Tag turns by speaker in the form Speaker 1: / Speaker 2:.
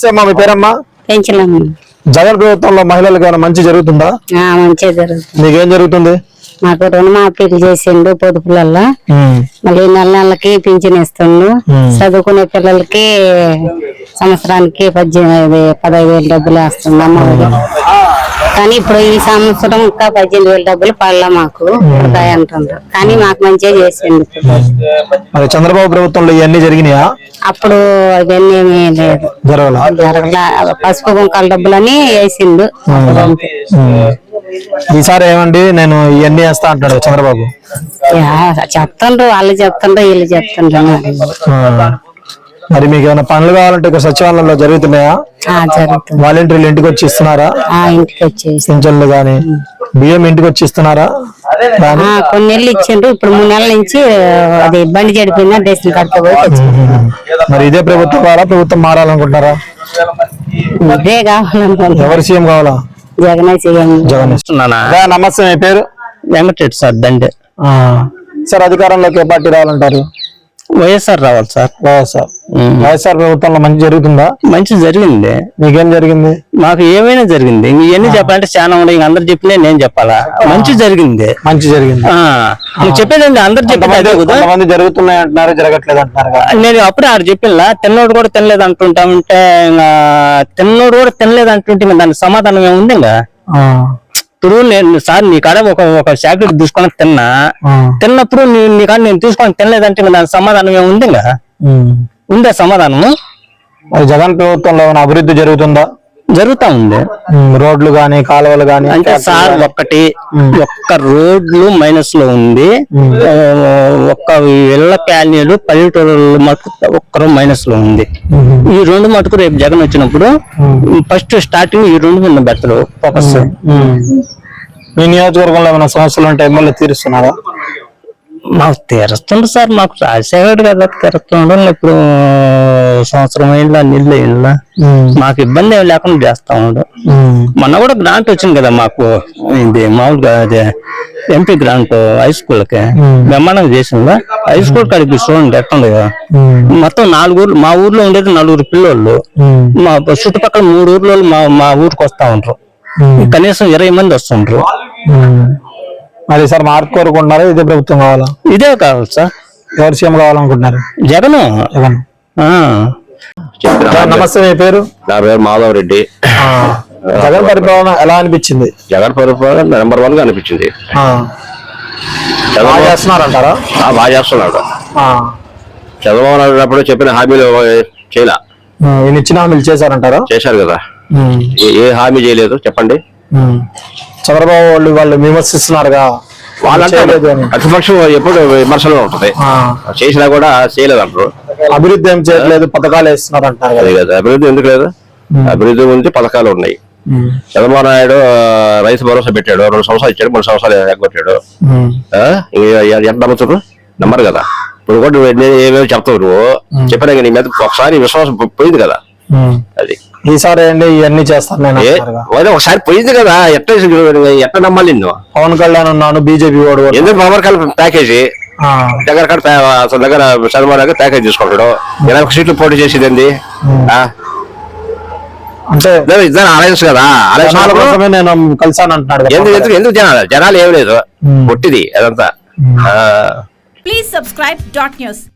Speaker 1: నమస్తే అమ్మా, మీ పేరమ్మా?
Speaker 2: పెంచలేము.
Speaker 1: జగన్ ప్రభుత్వంలో మహిళలకు ఏమైనా మంచి జరుగుతుందా?
Speaker 2: మంచిగా జరుగుతుంది.
Speaker 1: మీకేం జరుగుతుంది?
Speaker 2: మాకు రుణమాఫీలు చేసిండు పొదుపులల్లో, మళ్ళీ నెల నెలకి పింఛన్ ఇస్తుండు. చదువుకునే పిల్లలకి సంవత్సరానికి 15,000 డబ్బులు వేస్తుంది అమ్మఒడి. కానీ ఇప్పుడు ఈ సంవత్సరం ఇంకా 15,000 డబ్బులు పడలా మాకు అంటుండ్రు. కానీ మాకు మంచిగా చేసిండు.
Speaker 1: చంద్రబాబు ప్రభుత్వంలో ఇవన్నీ జరిగినాయా?
Speaker 2: అప్పుడు ఇవన్నీ ఏమీ లేదు, జరగలా. పసుపు కుంకాల డబ్బులని వేసిండు.
Speaker 1: ఈసారి ఏమండి నేను ఇవన్నీ వేస్తా అంటాడు చంద్రబాబు.
Speaker 2: చెప్తుండ్రు, వాళ్ళు చెప్తుండ్రు, వీళ్ళు చెప్తుండ్రు.
Speaker 1: మరి మీకు ఏమైనా పనులు కావాలంటే ఇక్కడ సచివాలయంలో జరుగుతున్నాయా?
Speaker 2: జరుగుతుంది.
Speaker 1: వాలంటీర్లు ఇంటికి వచ్చి ఇస్తున్నారా?
Speaker 2: ఇంటికి వచ్చి
Speaker 1: పింఛన్లు గానీ బియ్యం ఇంటికి వచ్చి ఇస్తున్నారా?
Speaker 2: కొన్ని నెలలు ఇచ్చిండ్రు. ఇప్పుడు 3 నెలల నుంచి అది బండి చెడిపోయిందా రేషన్ కార్డు పోయి.
Speaker 1: మరి ఇదే ప్రభుత్వం కావాలా, ప్రభుత్వం మారాలనుకుంటారా?
Speaker 2: ఇదే కావాలనుకుంటున్నా.
Speaker 1: ఎవరు సీఎం కావాలా?
Speaker 2: జగన్ సీఎం.
Speaker 1: జగన్ ఇస్తున్నానా? నమస్తే, మీ పేరు?
Speaker 3: వెంకటరెడ్డి సార్, దండే.
Speaker 1: సార్, అధికారంలోకి ఏ పార్టీ రావాలంటారు?
Speaker 3: వైఎస్ఆర్ రావాలి సార్.
Speaker 1: వైఎస్ఆర్ ప్రభుత్వంలో మంచి జరుగుతుందా?
Speaker 3: మంచి జరిగింది.
Speaker 1: మీకేం జరిగింది?
Speaker 3: మాకు ఏమైనా జరిగింది. ఇవన్నీ చెప్పాలంటే చాలా ఉన్నాయి. అందరు చెప్పినా నేను చెప్పాలా? మంచి జరిగింది.
Speaker 1: మంచి జరిగింది
Speaker 3: నువ్వు చెప్పేదండి. అందరు
Speaker 1: చెప్పేది జరుగుతున్నాయి అంటున్నారు, జరగట్లేదు అంటున్నారు.
Speaker 3: నేను అప్పుడే ఆడు చెప్పిన తిన్నోడు కూడా తినలేదు అంటుంటామంటే, తిన్నోడు కూడా తినలేదు అంటుంటే దానికి సమాధానం ఏముంది? ఇంకా ఇప్పుడు నేను సార్ నీ కాడ ఒక చాక్లెట్ తీసుకొని తిన్నప్పుడు నీ కాడ నేను తీసుకొని తినలేదంటే దాని సమాధానం ఏముంది? ఇంకా ఉందే సమాధానము?
Speaker 1: జగన్ ప్రభుత్వంలో ఏమైనా అభివృద్ధి జరుగుతుందా?
Speaker 3: జరుగుతా ఉంది.
Speaker 1: రోడ్లు గానీ కాలువలు గానీ
Speaker 3: అంటే సార్ ఒక్క రోడ్లు మైనస్ లో ఉంది. ఒక్క ఇళ్ల ప్యానీలు పల్లెటూరులో మటుకు ఒక్కరు మైనస్ లో ఉంది. ఈ 2 మటుకు రేపు జగన్ వచ్చినప్పుడు ఫస్ట్ స్టార్టింగ్ ఈ 2 మీద పెడతారు ఫోకస్.
Speaker 1: మీ నియోజకవర్గంలో ఏమైనా సమస్యలు ఉంటే ఎమ్మెల్యే తీరుస్తున్నారా?
Speaker 3: మాకు తీరుస్తుండ్రు సార్. మాకు రాజశేఖర్ కదా తీరుస్తుండ్రు. ఇప్పుడు సంవత్సరం అయిందా నీళ్ళు అయిందా, మాకు ఇబ్బంది ఏమి లేకుండా చేస్తా ఉండు. మొన్న కూడా గ్రాంట్ వచ్చింది కదా మాకు. ఇది మామూలుగా ఎంపీ గ్రాంట్ హై స్కూల్ కి బ్రహ్మాండంగా చేసిందా. హై స్కూల్ కాడికి చూడండి ఎట్టుంది కదా. మొత్తం 4 ఊర్లు, మా ఊర్లో ఉండేది 4 పిల్లోళ్ళు. మా చుట్టుపక్కల 3 ఊర్లో మా ఊరికి వస్తా ఉంటారు. కనీసం 20 మంది వస్తుంటారు.
Speaker 1: మరి సార్ మార్పు కోరుకుంటున్నారా? ఇదే ప్రభుత్వం కావాలా?
Speaker 3: ఇదే కావాలి సార్.
Speaker 1: ఎవరు సీఎం కావాలనుకుంటున్నారు?
Speaker 3: జగన్.
Speaker 1: నమస్తే, మీ పేరు?
Speaker 4: నా పేరు మాధవ్ రెడ్డి.
Speaker 1: జగన్ పరిపాలన ఎలా అనిపించింది?
Speaker 4: జగన్ పరిపాలన నెంబర్ 1 గా అనిపించింది.
Speaker 1: బాగా చేస్తున్నారంటారా?
Speaker 4: బాగా చేస్తున్నాడు. చంద్రబాబు నాయుడు అప్పుడు చెప్పిన హామీలు చేయలే.
Speaker 1: ఇచ్చిన హామీలు చేశారంటారా?
Speaker 4: చేశారు కదా. ఏ హామీ చేయలేదు చెప్పండి.
Speaker 1: చంద్రబాబు వాళ్ళు విమర్శిస్తున్నారుగా.
Speaker 4: వాళ్ళంటే ప్రతిపక్షం ఎప్పుడు విమర్శలు ఉంటుంది. చేసినా కూడా చేయలేదు అంటారు.
Speaker 1: అభివృద్ధి ఏం చేయట్లేదు, పథకాలు వేస్తున్నారు అంటారు.
Speaker 4: అదే కదా, అభివృద్ధి ఎందుకు లేదు? అభివృద్ధి ఉంది, పథకాలు ఉన్నాయి. చంద్రబాబు నాయుడు రైతు భరోసా పెట్టాడు, 2 సంవత్సరాలు ఇచ్చాడు, 3 సంవత్సరాలు ఎగ్గొట్టాడు. ఎంత నమ్ముతారు? నమ్మరు కదా. ఇప్పుడు కూడా ఏమేమి చెప్తావు నువ్వు చెప్పినా నీ మీద ఒకసారి విశ్వాసం పోయింది కదా. అది
Speaker 1: ఈసారి ఏంటి ఇవన్నీ చేస్తాను
Speaker 4: ఒకసారి పోయింది కదా. ఎట్లా నమ్మాలి నిన్ను?
Speaker 1: పవన్ కళ్యాణ్ ఉన్నాను, బీజేపీ వాడు
Speaker 4: ఎందుకు పవన్ కళ్యాణ్ ప్యాకేజీ దగ్గర అసలు దగ్గర చంద్రబాబు నాయుడు ప్యాకేజ్ తీసుకుంటాడు. 20 సీట్లు పోటీ చేసేది ఏంది?
Speaker 1: అంటే
Speaker 4: ఇద్దరు అలయన్స్ కదా.
Speaker 1: నేను కలిసాను అంటున్నాడు.
Speaker 4: ఎందుకు జనాలు ఏం లేదు, పొట్టిది అదంతా.
Speaker 5: Please subscribe .news.